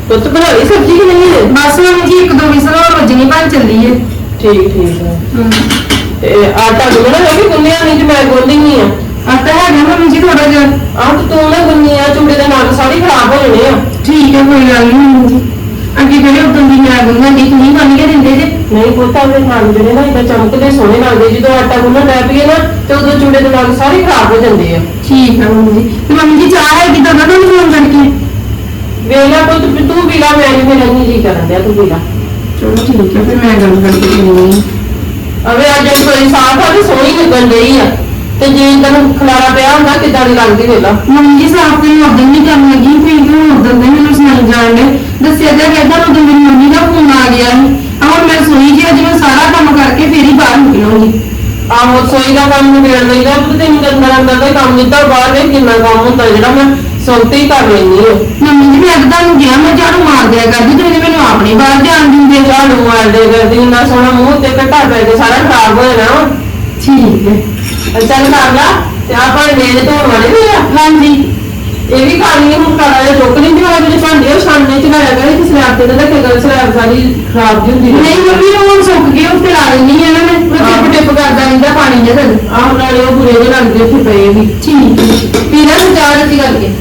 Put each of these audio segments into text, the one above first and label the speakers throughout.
Speaker 1: ਪੁੱਤ ਬਣਾ ਲਈ ਸਬਜ਼ੀ ਕਿ ਨਹੀਂ ਹੈ?
Speaker 2: ਬਸ ਮੰਮੀ ਜੀ ਇੱਕ ਦੋ ਵਿਸਲ ਹੋਰ ਵੱਜਣੀ ਬਣ ਚੱਲੀ ਹੈ।
Speaker 1: ਠੀਕ ਹੈ। ਤੇ ਆਟਾ ਗੁੰਨਣਾ ਹੈ ਕਿ ਗੁੰਨਿਆ ਨਹੀਂ? ਤੇ ਮੈਂ ਗੁੰਨਦੀ ਨਹੀਂ ਆ।
Speaker 2: ਆਟਾ ਹੈਗਾ ਮੰਮੀ ਜੀ ਥੋੜਾ ਜਿਹਾ।
Speaker 1: ਆਹ ਤੇ ਤੂੰ ਨਾ ਗੁੰਨੀ ਆ, ਚੂੜੇ ਦੇ ਨਾਲ ਸਾਰੇ ਖਰਾਬ ਹੋ ਜਾਣੇ ਆ।
Speaker 2: ਠੀਕ ਹੈ ਕੋਈ ਗੱਲ ਨਹੀਂ ਮੰਮੀ ਜੀ। ਅੱਗੇ ਕਿਹੜੇ ਉਦੋਂ ਦੀ ਮੈਂ ਗੁੰਨਾਂ ਦੀ ਤੁਸੀਂ ਬਣ ਕੇ ਦਿੰਦੇ ਜੇ?
Speaker 1: ਨਹੀਂ ਪੁੱਤ ਆਪਣੇ ਨਾਲ ਜਿਹੜੇ ਨਾ ਇਦਾਂ ਚਮਕਦੇ ਸੋਹਣੇ ਲੱਗਦੇ, ਜਦੋਂ ਆਟਾ ਗੁੰਨਣ ਲੱਗ ਪਈਏ ਨਾ ਤੇ ਉਦੋਂ ਚੂੜੇ ਦੇ ਨਾਲ ਸਾਰੇ ਖਰਾਬ ਹੋ ਜਾਂਦੇ ਆ।
Speaker 2: ਠੀਕ ਹੈ ਮੰਮੀ ਜੀ। ਤੇ ਮੰਮੀ ਜੀ ਚਾਹ ਹੈਗੀ ਤਾਂ ਉਹਨਾਂ ਨੂੰ ਫੋਨ ਕਰਕੇ
Speaker 1: ਵੇਲਾ ਪੁੱਤ ਤੂੰ ਵੀ ਲਾ, ਮੈਂ ਵੀ ਮੇਰਾ ਨਹੀਂ ਜੀ ਕਰਨ ਦਿਆ, ਤੂੰ ਵੀ ਲਾ।
Speaker 2: ਚਲੋ ਠੀਕ ਹੈ ਫਿਰ ਮੈਂ ਗੱਲ ਕਰਕੇ ਦਿੰਦੀ
Speaker 1: ਅਵੇ ਅੱਜ ਕੋਈ ਸਾਫ ਆ ਤੇ ਸੋਹਣੀ ਲੱਗਣ ਡਈ ਆ, ਤੇ ਜੇ ਇਦਾਂ ਖਲਾਰਾ ਪਿਆ ਹੁੰਦਾ ਕਿੱਦਾਂ ਦੀ ਲੱਗਦੀ ਵੇਲਾ।
Speaker 2: ਮੰਮੀ ਜੀ ਸਾਫ ਤੇ ਉਦੋਂ ਨਹੀਂ ਕਰਨ ਲੱਗੀ ਫਿਰ ਕਿਉਂ ਉਦੋਂ ਦੇ ਮੈਨੂੰ ਸੁਣਾਈ ਜਾਣ ਦੇ ਦੱਸਿਆ ਤਾਂ ਕਹਿੰਦਾ ਉਦੋਂ ਮੇਰੀ ਮੰਮੀ ਦਾ ਫੋਨ ਆ ਗਿਆ ਸੀ। ਹੁਣ ਮੈਂ ਸੋਈ ਜੀ ਅੱਜ ਮੈਂ ਸਾਰਾ ਕੰਮ ਕਰਕੇ ਫਿਰ ਹੀ ਬਾਹਰ ਨਿਕਲੂੰਗੀ।
Speaker 1: ਆਹੋ ਸੋਈ ਦਾ ਕੰਮ ਨਿਬੇੜ ਲਈਦਾ, ਤੇ ਤੈਨੂੰ ਤਾਂ ਅੰਦਰ ਅੰਦਰ ਦਾ ਕੰਮ ਦਿੱਤਾ, ਬਾਹਰ ਦੇ ਕਿੰਨਾ ਕੰਮ ਹੁੰਦਾ ਜਿਹੜਾ ਮੈਂ ਸੁਣਤੇ ਹੀ ਕਰ ਲੈਂਦੀ ਹਾਂ।
Speaker 2: ਮੰਮੀ ਜੀ ਮੈਂ ਤਾਂ ਤੁਹਾਨੂੰ ਕਿਹਾ ਮੈਂ ਝਾੜੂ ਮਾਰ ਦਿਆ ਕਰਦੀ, ਤੁਸੀਂ ਮੈਨੂੰ ਆਪਣੇ ਬਾਹਰ ਜਾਣ ਦਿੰਦੇ।
Speaker 1: ਝਾੜੂ ਮਾਰਦੇ ਕਰਦੀ ਇੰਨਾ ਸੋਹਣਾ ਮੂੰਹ ਤੇ ਘਟਾ ਪੈ ਕੇ ਸਾਰਾ ਖਰਾਬ ਹੋ ਜਾਣਾ।
Speaker 2: ਠੀਕ ਹੈ
Speaker 1: ਚੱਲ ਕਰ ਲਾ। ਤੇ ਆਪਾਂ ਮੇਜ਼ ਧੋਣ ਵਾਲੇ ਵੀ ਆ।
Speaker 2: ਹਾਂਜੀ
Speaker 1: ਇਹ ਵੀ ਖਾਣੀ ਹੁਣ ਕਾਲਾ ਜਿਹਾ ਚੁੱਕ ਲੈਂਦੀ ਵਾਲੇ ਜਿਹੜੇ ਭਾਂਡੇ ਉਹ ਛਾਨਣੇ ਚ ਲਾਇਆ ਕਰੇ, ਤੇ ਸਲੈਬ ਤੇ ਨਾ ਰੱਖੇ ਸਲੈਬ ਸਾਰੀ ਖਰਾਬ ਜਿਹੀ ਹੁੰਦੀ
Speaker 2: ਨਹੀਂ ਮੰਮੀ ਹੁਣ ਸੁੱਕ ਗਏ ਉੱਤੇ ਲਾ ਦਿੰਦੀ ਆ ਨਾ ਮੈਂ ਟਿਪ ਟਿਪ ਕਰਦਾ ਰਹਿੰਦਾ ਪਾਣੀ ਜਿਹਾ ਥੱਲੇ।
Speaker 1: ਆਹ ਨਾਲੇ ਉਹ ਬੁਰੇ ਜਿਹੇ ਲੱਗਦੇ ਉੱਥੇ ਪਏ ਵੀ।
Speaker 2: ਠੀਕ ਹੈ ਪੀਣਾ ਚਾਹ ਰੱਤੀ ਕਰਕੇ।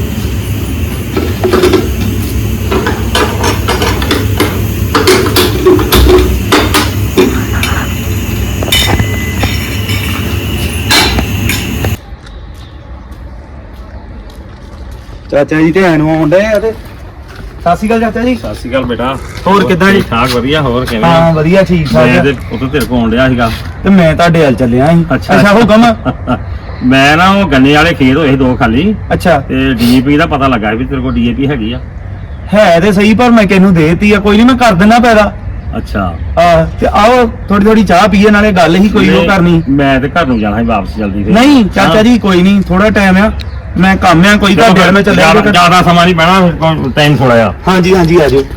Speaker 3: ਚਾਚਾ ਜੀ ਧਿਆਨ ਨੂੰ ਆਉਂਦੇ ਆ ਤੇ ਸਤਿ ਸ਼੍ਰੀ ਅਕਾਲ ਚਾਚਾ ਜੀ।
Speaker 4: ਸਤਿ ਸ਼੍ਰੀ ਅਕਾਲ ਬੇਟਾ।
Speaker 3: ਹੋਰ ਕਿੱਦਾਂ ਜੀ?
Speaker 4: ਠੀਕ ਠਾਕ ਵਧੀਆ। ਹੋਰ ਕਿਵੇਂ?
Speaker 3: ਹਾਂ ਵਧੀਆ ਠੀਕ
Speaker 4: ਮੈਂ
Speaker 3: ਠਾਕ।
Speaker 4: ਤੇ ਉਦੋਂ ਤੇਰੇ ਕੋਲ ਆਉਣ ਡਿਆ ਸੀਗਾ।
Speaker 3: ਤੇ ਮੈਂ ਤੁਹਾਡੇ ਵੱਲ ਚੱਲਿਆ ਸੀ।
Speaker 4: ਅੱਛਾ
Speaker 3: ਹੁਕਮ।
Speaker 4: ਮੈਂ ਨਾ ਉਹ ਗੰਨੇ ਵਾਲੇ ਖੇਤ ਹੋਏ ਸੀ ਦੋ ਖਾਲੀ,
Speaker 3: ਅੱਛਾ
Speaker 4: ਤੇ ਡੀਏਪੀ ਦਾ ਪਤਾ ਲੱਗਾ ਵੀ ਤੇਰੇ ਕੋਲ ਡੀਏਪੀ ਹੈਗੀ ਆ।
Speaker 3: ਹੈ ਤੇ ਸਹੀ ਪਰ ਮੈਂ ਕਿਹਨੂੰ ਦੇਤੀ ਆ, ਕੋਈ ਨਹੀਂ ਮੈਂ ਕਰ ਦਿੰਦਾ ਪੈਦਾ।
Speaker 4: ਅੱਛਾ
Speaker 3: ਆ ਤੇ ਆਓ ਥੋੜੀ ਥੋੜੀ ਚਾਹ ਪੀਏ, ਨਾਲੇ ਗੱਲ ਹੀ ਕੋਈ ਉਹ ਕਰਨੀ।
Speaker 4: ਮੈਂ ਤੇ ਘਰ ਨੂੰ ਜਾਣਾ ਸੀ ਵਾਪਸ ਜਲਦੀ ਤੇ।
Speaker 3: ਨਹੀਂ ਚਾਚਾ ਜੀ ਕੋਈ ਨਹੀਂ, ਥੋੜਾ ਟਾਈਮ ਆ, ਮੈਂ ਕੰਮ ਆ ਕੋਈ ਤੁਹਾਡੇ ਵੱਲ ਮੈਂ ਚੱਲਿਆ।
Speaker 4: ਜ਼ਿਆਦਾ ਸਮਾਂ ਨਹੀਂ ਪੈਣਾ, ਟਾਈਮ ਥੋੜਾ ਆ।
Speaker 3: ਹਾਂਜੀ ਹਾਂਜੀ ਆ ਜਾਓ।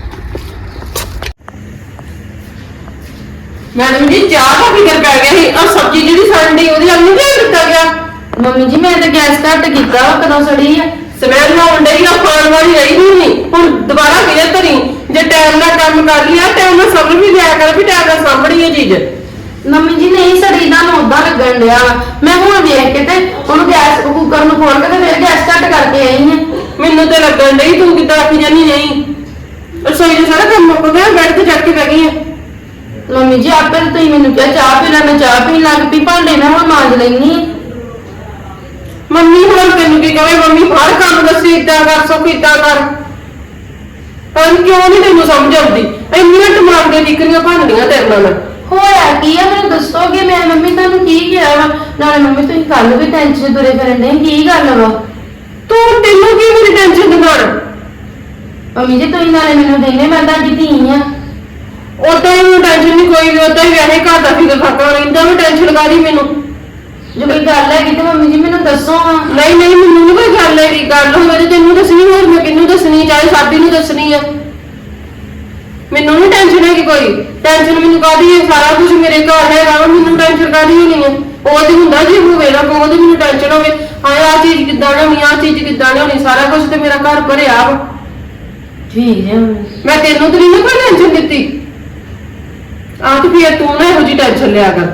Speaker 1: ਮੈਡਮ ਜੀ ਚਾਹ ਦਾ ਫਿਕਰ ਪੈ ਗਿਆ ਸੀ, ਆ ਸਬਜ਼ੀ ਜਿਹੜੀ ਸੜਨ ਦੀ ਉਹਦੀ ਵੱਲ ਨਹੀਂ ਧਿਆਨ ਦਿੱਤਾ ਗਿਆ।
Speaker 2: ਮੰਮੀ ਜੀ ਮੈਂ ਤਾਂ ਗੈਸ ਘੱਟ ਕੀਤਾ ਵਾ ਕਦੋਂ ਸੜੀ ਆ।
Speaker 1: ਸਮੈਲ ਆਉਣ ਡਈ ਆ, ਖਾਣ ਵਾਲੀ ਰਹੀ ਨਹੀਂ। ਹੁਣ ਦੁਬਾਰਾ ਕਿਹਦੇ ਧਰੀ? ਜੇ ਟਾਈਮ ਨਾਲ ਕੰਮ ਕਰ ਲਿਆ, ਟਾਈਮ ਨਾਲ ਸਮਝ ਵੀ ਲਿਆ ਕਰ ਵੀ ਟਾਈਮ ਨਾਲ ਸਾਂਭਣੀ ਹੈ ਚੀਜ਼।
Speaker 2: ਮੰਮੀ ਜੀ ਨਹੀਂ ਸੜੀ ਦਾ ਉਦਾਂ ਲੱਗਣ ਡਿਆ ਵਾ। ਮੈਂ ਹੁਣ ਵੇਖ ਕੇ ਤੇ ਉਹਨੂੰ ਗੈਸ ਕੁੱਕਰ ਨੂੰ ਖੋਲ ਕੇ ਤੇ ਫਿਰ ਗੈਸ ਘੱਟ ਕਰਕੇ ਆਈ ਹਾਂ।
Speaker 1: ਮੈਨੂੰ ਤੇ ਲੱਗਣ ਡਈ ਤੂੰ ਕਿੱਦਾਂ ਆਖੀ ਜਾਨੀ ਨਹੀਂ। ਰਸੋਈ ਦਾ ਸਾਰਾ ਕੰਮ ਮੁੱਕ ਗਿਆ, ਬੈਠ ਤੇ ਚੜ ਕੇ ਬਹਿ ਗਈ ਆ।
Speaker 2: ਮੰਮੀ ਜੀ ਆਪੇ ਤਾਂ ਤੁਸੀਂ ਮੈਨੂੰ ਕਿਹਾ ਚਾਹ ਪੀ ਲੈ, ਮੈਂ ਚਾਹ ਪੀਣ ਲੱਗ ਪਈ, ਭਾਂਡੇ ਮੈਂ ਹੁਣ ਮਾਂਜ ਲੈਣੀ ਆ।
Speaker 1: ਮੰਮੀ ਹੁਣ ਤੈਨੂੰ ਕੀ ਕਹੇ? ਮੰਮੀ ਹਰ ਕੰਮ ਦੱਸੀ ਏਦਾਂ ਕਰ, ਸੋ ਏਦਾਂ ਕਰ। ਪਰ ਕਿਉਂ ਨਹੀਂ ਤੈਨੂੰ ਸਮਝ ਆਉਂਦੀ? ਇੰਨੀਆਂ ਦਿਮਾਗ ਦੀਆਂ ਟਿਕਰੀਆਂ ਬਣਦੀਆਂ ਤੇਰੇ ਨਾਲ।
Speaker 2: ਹੋਇਆ ਕੀ ਆ ਮੈਨੂੰ ਦੱਸੋਗੇ? ਮੈਂ ਮੰਮੀ ਤੁਹਾਨੂੰ ਕੀ ਕਿਹਾ ਵਾ? ਨਾਲੇ ਮੰਮੀ ਤੁਸੀਂ ਕੱਲ ਵੀ ਟੈਨਸ਼ਨ ਤੁਰੇ ਫਿਰਨ ਦੇ, ਕੀ ਗੱਲ ਵਾ?
Speaker 1: ਤੈਨੂੰ ਕੀ ਮੇਰੀ ਟੈਨਸ਼ਨ ਦਿਮਾਗ?
Speaker 2: ਮੰਮੀ ਜੀ ਤੁਸੀਂ ਨਾਲੇ ਮੈਨੂੰ ਦੇਣੇ, ਮੈਂ ਤੁਹਾਡੀ ਧੀ ਆ।
Speaker 1: ਉਦਾਂ ਹੀ ਟੈਨਸ਼ਨ ਨਹੀਂ ਕੋਈ ਵੀ, ਉਦਾਂ ਹੀ ਵੈਸੇ ਘਰ ਦਾ ਫਿਕਰ ਫਾਕਾ ਰਹਿੰਦਾ ਵੀ ਟੈਨਸ਼ਨ ਕਾਹਦੀ ਮੈਨੂੰ?
Speaker 2: ਜੇ ਕੋਈ ਗੱਲ ਹੈਗੀ ਤੇ ਮੰਮੀ ਜੀ ਮੈਨੂੰ ਦੱਸੋ ਹਾਂ।
Speaker 1: ਨਹੀਂ ਨਹੀਂ ਮੈਨੂੰ ਨੀ ਕੋਈ ਗੱਲ ਹੈਗੀ, ਗੱਲ ਹੋਵੇ ਤੇ ਤੈਨੂੰ ਦੱਸਣੀ, ਹੋਰ ਮੈਂ ਕਿਹਨੂੰ ਦੱਸਣੀ? ਚਾਹੇ ਸਾਡੀ ਨੂੰ ਦੱਸਣੀ ਆ। ਮੈਨੂੰ ਨੀ ਟੈਨਸ਼ਨ ਹੈਗੀ ਕੋਈ। ਟੈਨਸ਼ਨ ਮੈਨੂੰ ਕਾਹਦੀ ਹੈ? ਸਾਰਾ ਕੁਝ ਮੇਰੇ ਘਰ ਹੈਗਾ ਵਾ, ਮੈਨੂੰ ਟੈਨਸ਼ਨ ਕਾਹਦੀ ਹੋਣੀ ਹੈ? ਉਹ ਤੇ ਹੁੰਦਾ ਜੇ ਹੋਵੇ ਨਾ ਕੋਈ, ਮੈਨੂੰ ਟੈਨਸ਼ਨ ਹੋਵੇ ਹਾਂ ਆਹ ਚੀਜ਼ ਕਿੱਦਾਂ ਲਿਆਉਣੀ, ਆਹ ਚੀਜ਼ ਕਿੱਦਾਂ ਲਿਆਉਣੀ, ਸਾਰਾ ਕੁਝ ਤੇ ਮੇਰਾ ਘਰ ਭਰਿਆ ਵਾ।
Speaker 2: ਠੀਕ ਹੈ
Speaker 1: ਮੈਂ ਤੈਨੂੰ ਤੇ ਨਹੀਂ ਕੋਈ ਟੈਨਸ਼ਨ ਦਿੱਤੀ। ਆਹ ਤੇ ਫਿਰ ਤੂੰ ਨਾ ਇਹੋ ਜਿਹੀ ਟੈਨਸ਼ਨ ਲਿਆ ਕਰ।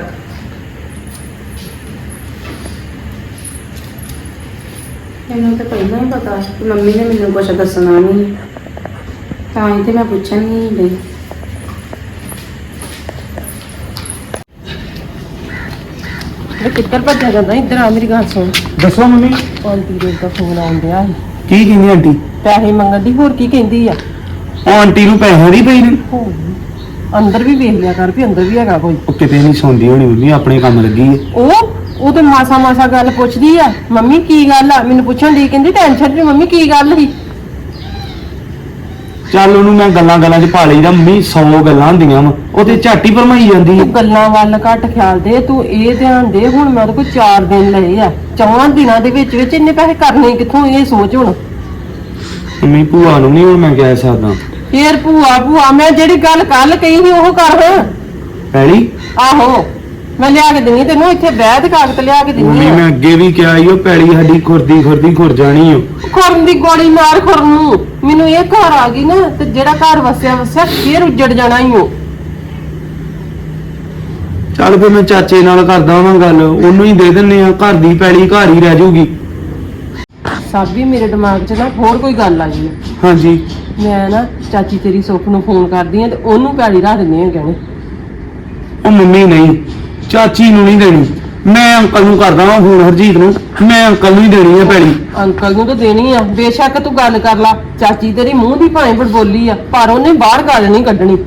Speaker 2: ਮੈਨੂੰ ਤਾਂ ਪਹਿਲਾਂ ਹੀ ਪਤਾ ਕਿ ਮੰਮੀ ਨੇ ਮੈਨੂੰ ਕੁਝ ਦੱਸਣਾ ਨਹੀਂ, ਤਾਂ ਹੀ ਤੇ ਮੈਂ ਪੁੱਛਣ ਨਹੀਂ ਗਈ।
Speaker 1: ਮੈਂ ਕਿੱਧਰ ਭੱਜਿਆ ਜਾਂਦਾ? ਇੱਧਰ ਆ ਮੇਰੀ ਗੱਲ ਸੁਣ।
Speaker 3: ਦੱਸੋ ਮੰਮੀ।
Speaker 1: ਆਂਟੀ ਦੇ ਦਾ ਫੋਨ ਆਉਂਦਿਆ ਸੀ,
Speaker 3: ਕੀ ਕਹਿੰਦੀ ਆਂਟੀ?
Speaker 1: ਪੈਸੇ ਮੰਗਣ ਦੀ। ਹੋਰ ਕੀ ਕਹਿੰਦੀ ਆ?
Speaker 3: ਉਹ ਆਂਟੀ ਨੂੰ ਪੈਸੇ ਦੀ ਪਈ ਨੇ।
Speaker 1: ਅੰਦਰ ਵੀ ਵੇਖ ਲਿਆ ਕਰ ਵੀ ਅੰਦਰ ਵੀ ਹੈਗਾ ਕੋਈ।
Speaker 3: ਉਹ ਕਿਤੇ ਨਹੀਂ ਸੌਂਦੀ ਹੋਣੀ ਮੰਮੀ, ਆਪਣੇ ਕੰਮ ਲੱਗੀ ਹੈ।
Speaker 1: ਉਹ ਤੇ ਮਾਸਾ ਗੱਲ ਪੁੱਛਦੀ ਆ, ਮੰਮੀ ਕੀ ਗੱਲ ਆ? ਮੈਨੂੰ ਪੁੱਛਣ ਦੀ ਕਹਿੰਦੀ ਟੈਨਸ਼ਨ ਵੀ ਮੰਮੀ ਕੀ ਗੱਲ ਸੀ?
Speaker 3: ਚੱਲ ਉਹਨੂੰ ਮੈਂ ਗੱਲਾਂ ਗੱਲਾਂ 'ਚ ਪਾ ਲਈਦਾ ਮੰਮੀ, 100 ਗੱਲਾਂ ਹੁੰਦੀਆਂ ਵਾ, ਉਹ ਤੇ ਝਾਟੀ ਭਰਮਾਈ ਜਾਂਦੀ।
Speaker 1: ਤੂੰ ਗੱਲਾਂ ਵੱਲ ਘੱਟ ਖਿਆਲ ਦੇ, ਤੂੰ ਇਹ ਧਿਆਨ ਦੇ ਹੁਣ ਮੈਂ ਉਹਦੇ ਕੋਲ 4 ਦਿਨ ਲਏ ਆ, 4 ਦਿਨਾਂ ਦੇ ਵਿੱਚ ਇੰਨੇ ਪੈਸੇ ਕਰਨੇ ਕਿੱਥੋਂ? ਇਹ ਸੋਚ ਹੁਣ।
Speaker 3: ਮੰਮੀ ਭੂਆ ਨੂੰ ਨਹੀਂ ਹੁਣ ਮੈਂ ਕਹਿ ਸਕਦਾ।
Speaker 1: ਫੇਰ ਭੂਆ ਮੈਂ ਜਿਹੜੀ ਗੱਲ ਕੱਲ ਕਹੀ ਸੀ ਉਹ ਕਰ।
Speaker 3: ਪੈਲੀ
Speaker 1: ਆਹੋ ਮੈਂ ਲਿਆ ਕੇ ਦਿੰਨੀ ਤੈਨੂੰ, ਇੱਥੇ ਬਹਿ ਤੇ ਕਾਗਜ਼ ਲਿਆ ਕੇ ਦਿੰਨੀ
Speaker 3: ਮੰਮੀ
Speaker 1: ਆ।
Speaker 3: ਮੈਂ ਅੱਗੇ ਵੀ ਕਿਹਾ ਈ ਉਹ ਪੈਲੀ ਸਾਡੀ ਖੁਰਦੀ ਖੁਰ ਜਾਣੀ ਓ।
Speaker 1: ਖੁਰਨ ਦੀ ਗੋਲੀ ਮਾਰ ਖੁਰਨ ਨੂੰ। ਮੈਨੂੰ ਇਹ ਘਰ ਆ ਗਈ ਨਾ ਤੇ ਜਿਹੜਾ ਘਰ ਵਸਿਆ ਫੇਰ ਉੱਜੜ ਜਾਣਾ ਹੀ ਉਹ।
Speaker 3: ਚੱਲ ਫਿਰ ਮੈਂ ਚਾਚੇ ਨਾਲ ਕਰਦਾ ਵਾਂ ਗੱਲ, ਉਹਨੂੰ ਹੀ ਦੇ ਦਿੰਨੇ ਆ, ਘਰ ਦੀ ਪੈਲੀ ਘਰ ਹੀ ਰਹਿ ਜਾਊਗੀ।
Speaker 1: ਸਾਬੀ ਮੇਰੇ ਦਿਮਾਗ 'ਚ ਨਾ ਹੋਰ ਕੋਈ ਗੱਲ ਆ ਗਈ ਆ।
Speaker 3: ਹਾਂਜੀ
Speaker 1: ਮੈਂ ਨਾ ਚਾਚੀ ਤੇਰੀ ਸੁੱਖ ਨੂੰ ਫੋਨ ਕਰਦੀ ਆ ਤੇ ਉਹਨੂੰ ਪੈਲੀ ਰੱਖ ਦਿੰਦੇ ਆ ਗਹਿਣੇ।
Speaker 3: ਉਹ ਮੰਮੀ ਨਹੀਂ, ਚਾਚੀ ਨੂੰ ਨਹੀਂ ਦੇਣੀ, ਮੈਂ ਅੰਕਲ ਨੂੰ ਕਰਦਾ ਵਾਂ ਫੋਨ, ਹਰਜੀਤ ਨੂੰ, ਮੈਂ ਅੰਕਲ ਨੂੰ ਹੀ ਦੇਣੀ ਆ ਪੈਲੀ।
Speaker 1: ਅੰਕਲ ਨੂੰ ਤਾਂ ਦੇਣੀ ਆ, ਬੇਸ਼ੱਕ ਤੂੰ ਗੱਲ ਕਰ ਲਾ। ਚਾਚੀ ਤੇਰੀ ਮੂੰਹ ਦੀ ਭਾਵੇਂ ਬੜਬੋਲੀ ਆ, ਪਰ ਉਹਨੇ ਬਾਹਰ ਗੱਲ ਨਹੀਂ ਕੱਢਣੀ।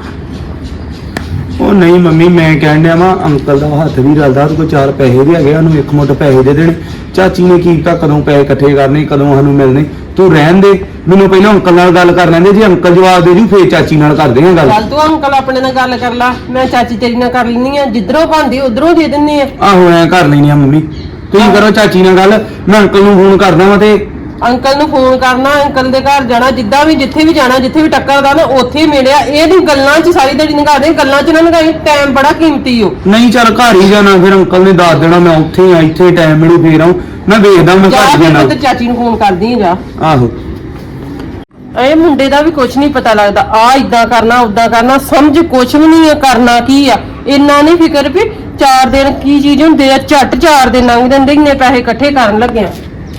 Speaker 3: ਉਹ ਨਹੀਂ ਮੰਮੀ, ਮੈਂ ਕਹਿਣ ਡਿਆ ਵਾਂ ਅੰਕਲ ਦਾ ਹੱਥ ਵੀ ਰਲਦਾ, ਉਹਦੇ ਕੋਲ 4 ਪੈਸੇ ਵੀ ਹੈਗੇ, ਉਹਨੂੰ ਇੱਕ ਮੁੱਠ ਪੈਸੇ ਦੇ ਦੇਣੇ। ਚਾਚੀ ਨੇ ਕੀ ਪਤਾ ਕਦੋਂ ਪੈਸੇ ਇਕੱਠੇ ਕਰਨੇ, ਕਦੋਂ ਸਾਨੂੰ ਮਿਲਣੇ। ਤੂੰ ਰਹਿਣ ਦੇ, ਮੈਨੂੰ ਪਹਿਲਾਂ ਅੰਕਲ ਨਾਲ ਗੱਲ ਕਰ ਲੈਂਦੇ, ਜੇ ਅੰਕਲ ਜਵਾਬ ਦੇ ਜੂ ਫੇਰ ਚਾਚੀ ਨਾਲ ਕਰਦੇ ਆ ਗੱਲ।
Speaker 1: ਚੱਲ ਤੂੰ ਅੰਕਲ ਆਪਣੇ ਨਾਲ ਗੱਲ ਕਰ ਲਾ, ਮੈਂ ਚਾਚੀ ਤੇਰੀ ਨਾਲ ਕਰ ਲੈਣੀ ਆ। ਜਿੱਧਰੋਂ ਬਣਦੀ ਉਧਰੋਂ ਦੇ ਦਿੰਨੇ ਆ।
Speaker 3: ਆਹੋ ਐ ਕਰ ਲੈਣੀ ਆ ਮੰਮੀ, ਤੁਸੀਂ ਕਰੋ ਚਾਚੀ ਨਾਲ ਗੱਲ, ਮੈਂ ਅੰਕਲ ਨੂੰ ਫੋਨ ਕਰਦਾ ਵਾਂ ਤੇ
Speaker 1: ਅੰਕਲ ਨੂੰ ਫੋਨ ਕਰਨਾ, ਅੰਕਲ ਦੇ ਘਰ ਜਾਣਾ, ਜਿੱਦਾਂ ਵੀ ਜਿੱਥੇ ਵੀ ਜਾਣਾ, ਜਿੱਥੇ ਵੀ ਟੱਕਰਦਾ ਨਾ ਉੱਥੇ ਹੀ ਮਿਲਿਆ। ਇਹ ਨਹੀਂ ਗੱਲਾਂ 'ਚ ਸਾਰੀ ਦਿਹਾੜੀ ਲੰਘਾ ਦੇ, ਗੱਲਾਂ 'ਚ ਨਾ ਲੰਘਾਈ, ਟਾਈਮ ਬੜਾ ਕੀਮਤੀ ਓ।
Speaker 3: ਨਹੀਂ ਚੱਲ ਘਰ ਹੀ ਜਾਣਾ, ਫਿਰ ਅੰਕਲ ਨੇ ਦੱਸ ਦੇਣਾ ਮੈਂ ਉੱਥੇ ਆ, ਇੱਥੇ ਟਾਈਮ ਮਿਲੂ ਫੇਰ ਆਉਂ, ਮੈਂ ਵੇਖਦਾ ਮੈਂ
Speaker 1: ਜਾ
Speaker 3: ਘਰ ਜਾਣਾ।
Speaker 1: ਤੇ ਚਾਚੀ ਨੂੰ ਫੋਨ ਕਰਦੀ ਆ ਜਾ।
Speaker 3: ਆਹੋ
Speaker 1: ਇਹ ਮੁੰਡੇ ਦਾ ਵੀ ਕੁਝ ਨਹੀਂ ਪਤਾ ਲੱਗਦਾ, ਆ ਇਦਾਂ ਕਰਨਾ ਉਦਾਂ ਕਰਨਾ, ਸਮਝ ਕੁਝ ਵੀ ਨਹੀਂ ਆ, ਕਰਨਾ ਕੀ ਆ। ਇੰਨਾ ਨਹੀਂ ਫਿਕਰ ਵੀ 4 ਦਿਨ ਕੀ ਚੀਜ਼ ਹੁੰਦੇ ਆ, ਝੱਟ 4 ਦਿਨ ਲੰਘ ਜਾਂਦੇ, ਇੰਨੇ ਪੈਸੇ ਇਕੱਠੇ ਕਰਨ ਲੱਗਿਆ।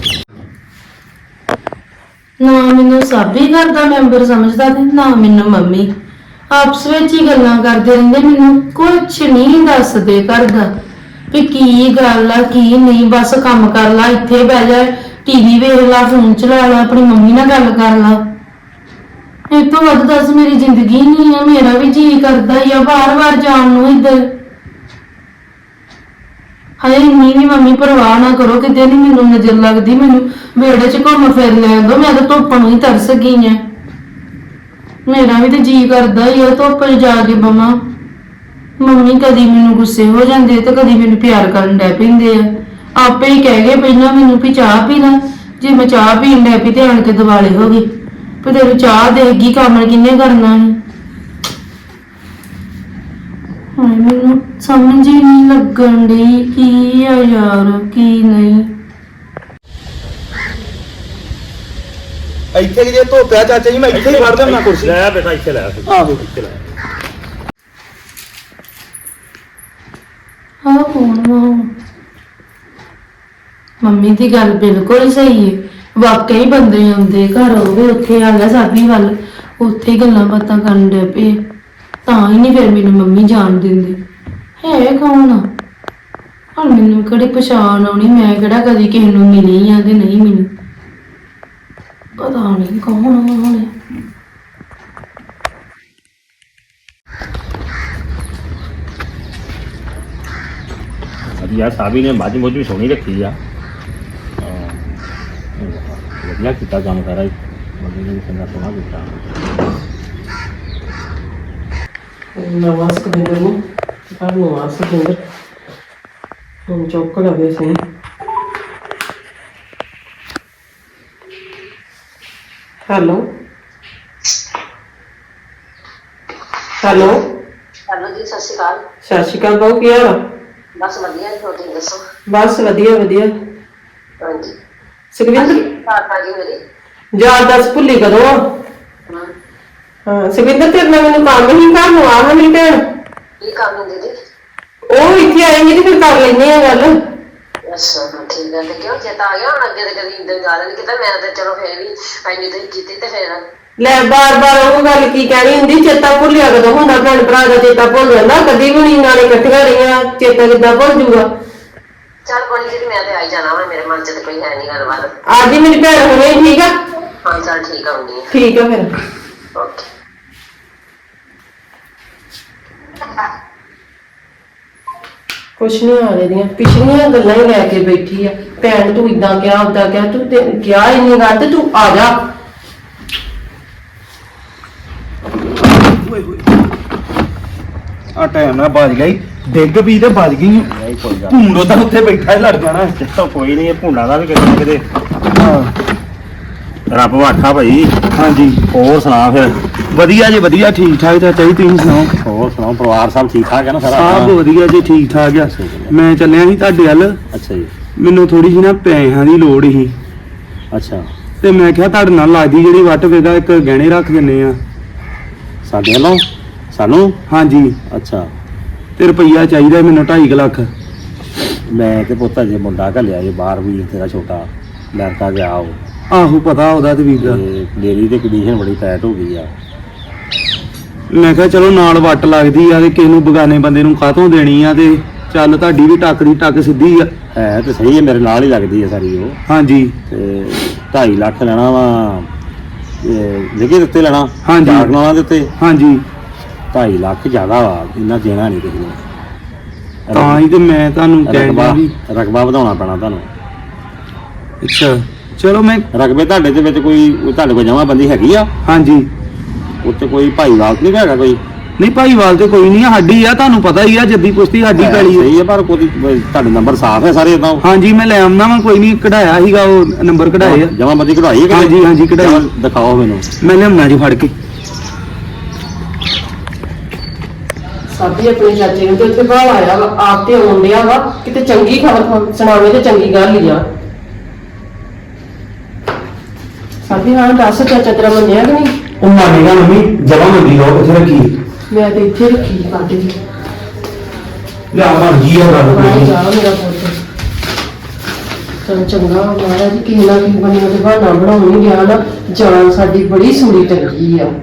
Speaker 2: ਨਾ ਮੈਨੂੰ ਸਾਬੀ ਘਰ ਦਾ ਮੈਂਬਰ ਸਮਝਦਾ ਤੇ ਨਾ ਮੈਨੂੰ ਮੰਮੀ। ਆਪਸ ਵਿੱਚ ਹੀ ਗੱਲਾਂ ਕਰਦੇ ਰਹਿੰਦੇ, ਮੈਨੂੰ ਕੁਝ ਨਹੀਂ ਦੱਸਦੇ ਘਰ ਦਾ ਵੀ ਕੀ ਗੱਲ ਆ ਕੀ ਨਹੀਂ। ਬਸ ਕੰਮ ਕਰ ਲਾ, ਇੱਥੇ ਬਹਿ ਜਾ, ਟੀਵੀ ਵੇਖ ਲਾ, ਫੋਨ ਚਲਾ ਲਾ, ਆਪਣੀ ਮੰਮੀ ਨਾਲ ਗੱਲ ਕਰ ਲਾ। ਇਹ ਤੋਂ ਵੱਧ ਦੱਸ ਮੇਰੀ ਜ਼ਿੰਦਗੀ ਨਹੀਂ ਆ। ਮੇਰਾ ਵੀ ਜੀ ਕਰਦਾ ਹੀ ਆ ਬਾਰ-ਬਾਰ ਜਾਣ ਨੂੰ ਇੱਧਰ। ਹਾਏ ਇੰਨੀ ਵੀ ਮੰਮੀ ਪਰਵਾਹ ਨਾ ਕਰੋ, ਕਿਤੇ ਨਹੀਂ ਮੈਨੂੰ ਨਜ਼ਰ ਲੱਗਦੀ, ਮੈਨੂੰ ਵਿਹੜੇ 'ਚ ਘੁੰਮ ਫਿਰ ਲੈਣ ਦੋ, ਮੈਂ ਤਾਂ ਧੁੱਪ ਨੂੰ ਹੀ ਤਰਸ ਗਈ ਆ। ਮੇਰਾ ਵੀ ਤੇ ਜੀ ਕਰਦਾ ਹੀ ਆ ਧੁੱਪ 'ਚ ਜਾ ਕੇ ਬਵਾਂ। ਮੰਮੀ ਕਦੀ ਮੈਨੂੰ ਗੁੱਸੇ ਹੋ ਜਾਂਦੇ ਤੇ ਕਦੀ ਮੈਨੂੰ ਪਿਆਰ ਕਰਨ ਡੈ ਪੈਂਦੇ ਆ। ਆਪੇ ਹੀ ਕਹਿ ਗਏ ਪਹਿਲਾਂ ਮੈਨੂੰ ਵੀ ਚਾਹ ਪੀ ਲੈ, ਜੇ ਮੈਂ ਚਾਹ ਪੀਣ ਡੈ ਪਈ ਤੇ ਆਣ ਕੇ ਦਿਵਾਲੇ ਹੋ ਗਏ ਵੀ ਤੈਨੂੰ ਚਾਹ ਦੇਗੀ, ਕੰਮ ਕਿੰਨੇ ਕਰਨਾ ਸੀ। ਹਾਏ ਮੈਨੂੰ ਸਮਝ ਹੀ ਨਹੀਂ ਲੱਗਣ ਡਈ ਕੀ ਆ ਯਾਰ ਕੀ ਨਹੀਂ।
Speaker 3: ਇੱਥੇ ਕਿ ਜੇ ਧੋਪਿਆ ਚਾਚਾ ਜੀ, ਮੈਂ ਇੱਥੇ ਹੀ ਫੜ ਦੇਣਾ ਕੁਰਸੀ।
Speaker 4: ਲੈ ਬੇਟਾ ਇੱਥੇ ਲੈ
Speaker 3: ਆਹੋ
Speaker 4: ਇੱਥੇ ਲੈ।
Speaker 2: ਹਾਂ ਕੌਣ ਮੰਮੀ ਦੀ ਗੱਲ ਬਿਲਕੁਲ ਸਹੀ ਹੈ। ਵਾਕਈ ਬੰਦੇ ਆਉਂਦੇ ਘਰ ਹੋਵੇ, ਉੱਥੇ ਆ ਗਿਆ ਸਾਬੀ ਵੱਲ, ਉੱਥੇ ਹੀ ਗੱਲਾਂ ਬਾਤਾਂ ਕਰਨ ਡੈ ਪਏ, ਤਾਂ ਹੀ ਨਹੀਂ ਫਿਰ ਮੈਨੂੰ ਮੰਮੀ ਜਾਣ ਦਿੰਦੇ। ਹੈ ਕੌਣ ਆ ਹੁਣ ਮੈਨੂੰ ਕਿਹੜੀ ਪਛਾਣ ਆਉਣੀ, ਮੈਂ ਕਿਹੜਾ ਕਦੀ ਕਿਸੇ ਨੂੰ ਮਿਲੀ ਆ ਕਿ ਨਹੀਂ ਮਿਲੀ, ਪਤਾ ਨਹੀਂ ਕੌਣ ਆ ਹੁਣ।
Speaker 4: ਵਧੀਆ ਸਾਬੀ ਨੇ ਮੱਝ ਮੁੱਝ ਵੀ ਸੋਹਣੀ ਰੱਖੀ ਆ। ਵਧੀਆ ਕੀਤਾ ਕੰਮ ਸਾਰਾ ਹੀ, ਬੰਦੇ ਨੇ ਵੀ ਚੰਗਾ ਸੋਹਣਾ ਕੀਤਾ।
Speaker 1: ਨਵਾਂ ਸਕਦਿੰਦਰ ਨੂੰ ਘਰ ਨੂੰ ਆ ਸਕਦਿੰਦਰ ਹੁਣ ਚੁੱਕ ਲਵੇ ਸਹੀ। ਹੈਲੋ ਹੈਲੋ
Speaker 5: ਹੈਲੋ ਜੀ, ਸਤਿ ਸ਼੍ਰੀ ਅਕਾਲ।
Speaker 1: ਸਤਿ ਸ਼੍ਰੀ ਅਕਾਲ ਬਾਊ, ਕੀ ਹਾਲ ਆ?
Speaker 5: ਬਸ ਵਧੀਆ ਜੀ, ਤੁਸੀਂ ਦੱਸੋ?
Speaker 1: ਬਸ ਵਧੀਆ ਵਧੀਆ।
Speaker 5: ਹਾਂਜੀ
Speaker 1: ਸੁਖਵਿੰਦਰ
Speaker 5: ਪਾਪਾ ਜੀ ਮੇਰੀ।
Speaker 1: ਯਾਰ ਦੱਸ ਭੁੱਲੀ ਕਦੋਂ ਆ?
Speaker 5: ਹਾਂ,
Speaker 1: ਹਾਂ ਸੁਖਵਿੰਦਰ ਤੇਰੇ ਨਾਲ ਮੈਨੂੰ ਕੰਮ ਹੀ ਘਰ ਨੂੰ ਆ ਮੇਰੀ ਭੈਣ।
Speaker 5: ਕੀ ਕੰਮ ਹੈ ਦੀਦੀ?
Speaker 1: ਉਹ ਇੱਥੇ ਆਏਂਗੇ ਤੇ ਫਿਰ ਕਰ ਲੈਂਦੇ ਆ ਗੱਲ।
Speaker 5: ਅੱਛਾ ਠੀਕ ਹੈ। ਤੇ ਕਿਉਂ ਚੇਤਾ ਆ ਗਿਆ ਹੁਣ? ਅੱਗੇ ਤੇ ਕਦੀ ਇਦਾਂ ਗੱਲ ਨਹੀਂ ਕੀਤਾ ਮੈਂ, ਤੇ ਚਲੋ ਫੇਰ ਵੀ ਐਨੀ ਤੁਸੀਂ ਕੀਤੀ ਤੇ ਫੇਰ
Speaker 1: ਲੈ ਬਾਰ ਬਾਰ ਉਹ ਗੱਲ ਕੀ ਕਹਿਣੀ ਹੁੰਦੀ, ਚੇਤਾ ਭੁੱਲਿਆ ਕਦੋਂ ਹੁੰਦਾ? ਭੈਣ ਭਰਾ ਦਾ ਚੇਤਾ ਭੁੱਲ ਜਾਂਦਾ ਕਦੀ ਵੀ ਨਹੀਂ, ਨਾਲੇ ਇਕੱਠੀਆਂ ਰਹੀਆਂ, ਚੇਤਾ ਕਿੱਦਾਂ ਭੁੱਲ ਜੂਗਾ?
Speaker 5: ਚੱਲ ਕੋਈ ਨੀ, ਮੈਂ ਤੇ ਆਈ ਜਾਣਾ ਵਾ, ਮੇਰੇ ਮਨ ਚ ਤੇ ਕੋਈ ਹੈ ਨਹੀਂ ਗੱਲਬਾਤ।
Speaker 1: ਅੱਜ ਹੀ ਮੇਰੀ ਭੈਣ ਹੁਣੇ ਠੀਕ ਆ?
Speaker 5: ਹਾਂ ਚੱਲ ਠੀਕ ਆਉਂਦੀ ਹੈ।
Speaker 1: ਠੀਕ ਆ ਫਿਰ।
Speaker 5: ਓਕੇ।
Speaker 1: ਕੁਛ ਨਹੀਂ ਹਾਲੇ ਦੀਆਂ ਪਿਛਲੀਆਂ ਗੱਲਾਂ ਹੀ ਲੈ ਕੇ ਬੈਠੀ ਆ। ਭੈਣ ਤੂੰ ਇਦਾਂ ਕਿਹਾ ਉਦਾਂ ਕਿਹਾ, ਤੂੰ ਤੇ ਕਿਹਾ ਹੀ ਨਹੀਂ ਗੱਲ, ਤੇ ਤੂੰ ਆ ਜਾ।
Speaker 3: ਆ ਟਾਈਮ ਨਾਲ ਵੱਜ ਗਈ, ਡਿੱਗ ਵੀ ਤੇ ਵੱਜ ਗਈ।
Speaker 4: ਨਹੀਂ ਕੋਈ ਗੱਲ
Speaker 3: ਭੂੰਡੋ ਤਾਂ ਉੱਥੇ ਬੈਠਾ ਹੀ ਲੜ ਜਾਣਾ।
Speaker 4: ਨਹੀਂ, ਕੋਈ ਨਹੀਂ, ਇਹ ਭੁੰਡਾ ਦਾ ਵੀ ਕਿਤੇ ਨਾ ਕਿਤੇ।
Speaker 3: ਹਾਂ
Speaker 4: ਰੱਬ ਵਾਖਾ ਭਾਈ।
Speaker 3: ਹਾਂਜੀ
Speaker 4: ਹੋਰ ਸੁਣਾ ਫਿਰ?
Speaker 3: ਵਧੀਆ ਜੀ ਵਧੀਆ, ਠੀਕ ਠਾਕ ਚਾਚਾ ਜੀ, ਤੁਸੀਂ ਸੁਣਾਓ?
Speaker 4: ਹੋਰ ਸੁਣਾਓ, ਪਰਿਵਾਰ ਸਭ ਠੀਕ ਠਾਕ ਹੈ ਨਾ ਸਾਰਾ?
Speaker 3: ਸਭ ਵਧੀਆ ਜੀ, ਠੀਕ ਠਾਕ ਆ। ਮੈਂ ਚੱਲਿਆ ਸੀ ਤੁਹਾਡੇ ਵੱਲ,
Speaker 4: ਅੱਛਾ ਜੀ।
Speaker 3: ਮੈਨੂੰ ਥੋੜੀ ਜਿਹੀ ਨਾ ਪੈਸਿਆਂ ਦੀ ਲੋੜ ਸੀ
Speaker 4: ਅੱਛਾ,
Speaker 3: ਤੇ ਮੈਂ ਕਿਹਾ ਤੁਹਾਡੇ ਨਾਲ ਲੱਗਦੀ ਜਿਹੜੀ ਵੱਟ ਵੇਗਾ ਇੱਕ ਗਹਿਣੇ ਰੱਖ ਦਿੰਨੇ ਆ।
Speaker 4: ਸਾਡੇ ਵੱਲੋਂ ਸਾਨੂੰ?
Speaker 3: ਹਾਂਜੀ,
Speaker 4: ਅੱਛਾ।
Speaker 3: ਤੇ ਰੁਪਈਆ ਚਾਹੀਦਾ ਮੈਨੂੰ 2.5 ਲੱਖ।
Speaker 4: ਮੈਂ ਤੇ ਪੁੱਤ ਜੇ ਮੁੰਡਾ ਘੱਲਿਆ ਜੇ ਬਾਹਰ, ਵੀ ਤੇਰਾ ਛੋਟਾ ਅਮਰੀਕਾ ਗਿਆ ਉਹ,
Speaker 3: ਆਹੋ ਪਤਾ ਉਹਦਾ ਤੇ ਵੀਰ ਦਾ।
Speaker 4: ਤੇ ਮੇਰੀ ਤੇ ਕੰਡੀਸ਼ਨ ਬੜੀ ਟਾਈਟ ਹੋ ਗਈ ਆ।
Speaker 3: ਮੈਂ ਕਿਹਾ ਚਲੋ ਨਾਲ ਵੱਟ ਲੱਗਦੀ ਆ ਤੇ ਕਿਸੇ ਨੂੰ ਬਗਾਨੇ ਬੰਦੇ ਨੂੰ ਕਾਹਤੋਂ ਦੇਣੀ ਆ, ਤੇ ਚੱਲ ਤੁਹਾਡੀ ਵੀ ਟੱਕ ਦੀ ਟੱਕ ਸਿੱਧੀ ਆ।
Speaker 4: ਹੈ ਤੇ ਸਹੀ ਹੈ, ਮੇਰੇ ਨਾਲ ਹੀ ਲੱਗਦੀ ਹੈ ਸਾਰੀ ਉਹ।
Speaker 3: ਹਾਂਜੀ
Speaker 4: ਤੇ 2.5 ਲੱਖ ਲੈਣਾ ਵਾ, ਵਿਗੇ ਦਿੱਤੇ ਲੈਣਾ?
Speaker 3: ਹਾਂਜੀ।
Speaker 4: ਜਾਗਣਾ ਦਿੱਤੇ।
Speaker 3: ਹਾਂਜੀ,
Speaker 4: 2.5 ਲੱਖ ਜ਼ਿਆਦਾ ਵਾ, ਇੰਨਾ ਦੇਣਾ ਨਹੀਂ ਕਿਸੇ ਨੂੰ।
Speaker 3: ਤਾਂ ਹੀ ਤੇ ਮੈਂ ਤੁਹਾਨੂੰ
Speaker 4: ਰਕਬਾ
Speaker 3: ਕਹਿਣਾ ਵੀ।
Speaker 4: ਰਕਬਾ ਵਧਾਉਣਾ ਪੈਣਾ ਤੁਹਾਨੂੰ।
Speaker 3: ਅੱਛਾ ਚਲੋ ਮੈਂ।
Speaker 4: ਰਕਬੇ ਤੁਹਾਡੇ ਦੇ ਵਿੱਚ ਕੋਈ ਤੁਹਾਡੇ ਕੋਲ ਜਮ੍ਹਾਂ ਬੰਦੀ ਹੈਗੀ ਆ?
Speaker 3: ਹਾਂਜੀ,
Speaker 4: ਉੱਥੇ ਕੋਈ ਭਾਈਵਾਲ ਨਹੀਂ ਹੈਗਾ ਕੋਈ?
Speaker 3: ਨਹੀਂ ਭਾਈਵਾਲ ਤੇ ਕੋਈ ਨਹੀਂ ਆ, ਸਾਡੀ ਆ, ਤੁਹਾਨੂੰ ਪਤਾ ਹੀ ਆ, ਜੱਦੀ ਪੁਸ਼ਤੀ ਸਾਡੀ ਪੈਲੀ ਆ।
Speaker 4: ਸਹੀ ਹੈ, ਪਰ ਕੋਈ ਤੁਹਾਡੇ ਨੰਬਰ ਸਾਫ਼ ਹੈ ਸਾਰੇ ਇਦਾਂ?
Speaker 3: ਹਾਂਜੀ ਮੈਂ ਲੈ ਆਉਣਾ ਵਾ, ਕੋਈ ਨਹੀਂ, ਕਢਾਇਆ ਸੀਗਾ ਉਹ ਨੰਬਰ ਕਢਾਏ ਆ।
Speaker 4: ਜਮ੍ਹਾਂ ਬੰਦੀ ਕਢਵਾਈ ਹੈ?
Speaker 3: ਹਾਂਜੀ ਹਾਂਜੀ ਕਢਾਈ।
Speaker 4: ਦਿਖਾਓ ਮੈਨੂੰ।
Speaker 3: ਮੈਂ ਲਿਆਉਣਾ ਜੀ ਫੜ ਕੇ।
Speaker 1: ਸਾਬੀ ਆਪਣੇ ਚਾਚੇ ਨੂੰ ਤੇ ਉੱਥੇ ਬਾਹਰ ਆਇਆ ਵਾ, ਆਪ ਤੇ ਆਉਣ ਡਿਆ ਵਾ, ਕਿਤੇ ਚੰਗੀ ਖਬਰ ਸੁਣਾਵੇ ਤੇ ਚੰਗੀ ਗੱਲ ਹੀ ਆ। ਸਾਬੀ ਹਾਂ ਦੱਸ, ਚਾਚਾ ਤੇਰਾ ਮੰਨਿਆ ਕਿ ਨਹੀਂ?
Speaker 3: ਉਹ ਮੰਨੇਗਾ ਮੰਮੀ, ਜਮਾ ਮੰਦੀ ਲੋ ਕਿੱਥੇ ਰੱਖੀ?
Speaker 1: ਮੈਂ ਤੇ ਇੱਥੇ ਰੱਖੀ ਕਾਟੇ ਜੀ।
Speaker 3: ਲਿਆ ਮਰ ਗਈ ਆ ਗੱਲ
Speaker 1: ਬਾਹਰ
Speaker 3: ਕੋਈ।
Speaker 1: ਜਾ ਮੇਰਾ ਪੁੱਤ। ਚਲ ਚੰਗਾ ਮਹਾਰਾਜ, ਕਿਸੇ ਨਾ ਕਿਸੇ ਬੰਦੇ ਨੂੰ ਤੇ ਬਹਾਨਾ ਬਣਾਉਣ ਹੀ ਗਿਆ ਨਾ, ਜਾਨ ਸਾਡੀ ਬੜੀ ਸੂੜੀ ਟੰਗੀ ਆ।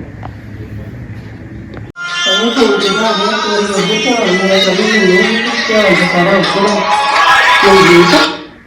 Speaker 1: ਉਹ ਕੋਈ ਜਗ੍ਹਾ ਹੈ ਕੋਈ ਉਹਦੇ ਧਿਆਨ ਮੇਰਾ ਕਰੀ ਨਹੀਂ, ਧਿਆਨ ਤੇ ਸਾਰਾ ਉੱਪਰ ਕੋਈ ਦੇਖ।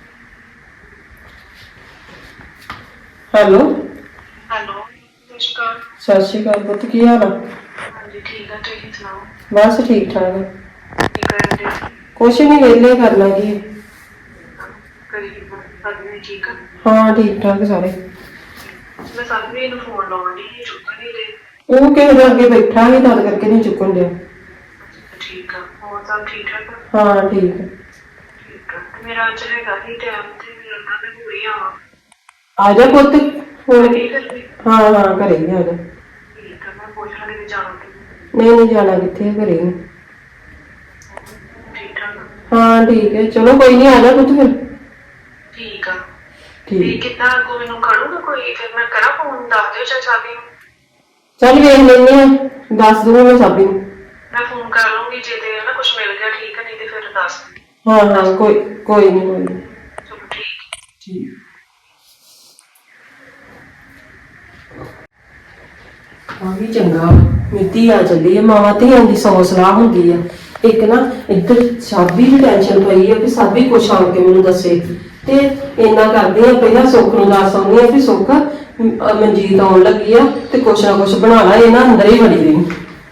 Speaker 1: ਹੈਲੋ
Speaker 6: ਹੈਲੋ, ਨਮਸਕਾਰ।
Speaker 1: ਸਤਿ ਸ਼੍ਰੀ ਅਕਾਲ ਪੁੱਤ, ਕੀ ਹਾਲ ਆ?
Speaker 6: ਹਾਂਜੀ ਠੀਕ ਆ, ਤੁਸੀਂ ਸੁਣਾਓ?
Speaker 1: ਬਸ ਠੀਕ ਠਾਕ ਆ।
Speaker 6: ਕੀ ਕਰਨ ਦੇ?
Speaker 1: ਕੁਛ ਨਹੀਂ, ਵਿਹਲੇ ਕਰਨਾ ਕੀ ਆ।
Speaker 6: ਕਰੀ ਸਾਡੀ ਠੀਕ ਆ?
Speaker 1: ਹਾਂ ਠੀਕ ਠਾਕ ਸਾਰੇ।
Speaker 6: ਮੈਂ ਸਾਡੀ ਨੂੰ ਫੋਨ ਲਾਉਣ ਦੀ ਚੁੱਕ ਨਹੀਂ ਰਹੇ।
Speaker 1: ਉਹ ਕਿਸੇ ਦੇ ਅੱਗੇ ਬੈਠਾ ਨਹੀਂ, ਤਦ ਕਰਕੇ ਨਹੀਂ ਚੁੱਕਣ ਡਿਆ।
Speaker 6: ਠੀਕ ਆ, ਹੋਰ ਸਭ ਠੀਕ ਠਾਕ ਆ?
Speaker 1: ਹਾਂ ਠੀਕ ਆ।
Speaker 6: ਠੀਕ ਆ, ਤੇ ਮੇਰਾ ਅੱਜ ਹੈਗਾ ਹੀ ਟਾਈਮ ਤੇ ਮੇਰਾ ਨਾ ਮੈਂ ਪੂਰੀ ਆਵਾਂ।
Speaker 1: ਆ ਜਾ ਪੁੱਤ ਹੁਣ।
Speaker 6: ਠੀਕ ਹੈ ਜੀ।
Speaker 1: ਹਾਂ ਹਾਂ ਘਰੇ ਹੀ ਆ ਜਾ।
Speaker 6: ਠੀਕ ਆ, ਮੈਂ ਪੁੱਛ ਲਾਂਗੀ ਵੀ ਜਾਣਾ ਕਿ
Speaker 1: ਨਹੀਂ ਨਹੀਂ ਜਾਣਾ ਕਿੱਥੇ ਆ, ਘਰੇ ਹੀ ਆ।
Speaker 6: ਠੀਕ ਠਾਕ ਆ?
Speaker 1: ਹਾਂ ਠੀਕ ਹੈ, ਚਲੋ ਕੋਈ ਨਹੀਂ, ਆ ਜਾ ਪੁੱਤ ਫਿਰ।
Speaker 6: ਠੀਕ ਆ। ਤੇ
Speaker 1: ਠੀਕ,
Speaker 6: ਕਿੱਦਾਂ ਅੱਗੋਂ ਮੈਨੂੰ ਕਰੂਗਾ ਕੋਈ, ਫਿਰ ਮੈਂ ਕਰਾਂ ਫੋਨ, ਦੱਸ ਦਿਓ ਚਾਚਾ ਜੀ ਨੂੰ।
Speaker 1: ਚੱਲ ਵੇਖ ਲੈਂਦੇ ਆ, ਦੱਸ ਦੂੰਗਾ ਮੈਂ ਸਾਬੀ ਨੂੰ।
Speaker 6: ਮੈਂ ਫੋਨ ਕਰ ਲੂੰਗੀ, ਜੇ ਤੇ ਨਾ ਕੁਝ ਮਿਲ ਗਿਆ ਠੀਕ ਹੈ, ਨਹੀਂ ਤੇ ਫਿਰ ਦੱਸ ਦਿਓ।
Speaker 1: ਹਾਂ ਹਾਂ ਕੋਈ ਨਹੀਂ ਕੋਈ ਨੀ।
Speaker 6: ਚਲੋ ਠੀਕ।
Speaker 1: ਠੀਕ ਆ ਵੀ ਚੰਗਾ, ਮਿੱਤੀ ਆ ਚੱਲੀ ਆ, ਮਾਵਾਂ ਧੀਆਂ ਦੀ ਸੌ ਸਲਾਹ ਹੁੰਦੀ ਆ। ਇੱਕ ਨਾ ਇੱਧਰ ਸਾਬੀ ਦੀ ਟੈਨਸ਼ਨ ਪਈ ਆ ਵੀ ਸਾਬੀ ਕੁਛ ਆਣ ਕੇ ਮੈਨੂੰ ਦੱਸੇ, ਤੇ ਇੰਨਾ ਕਰਦੇ ਆ, ਪਹਿਲਾਂ ਸੁੱਖ ਨੂੰ ਦੱਸ ਆਉਂਦੀ ਆ ਵੀ ਸੁੱਖ ਮਨਜੀਤ ਆਉਣ ਲੱਗੀ ਆ ਤੇ ਕੁਛ ਨਾ ਕੁਛ ਬਣਾ ਲਾ, ਇਹ ਨਾ ਅੰਦਰ ਹੀ ਵੜੀ ਰਹੀ।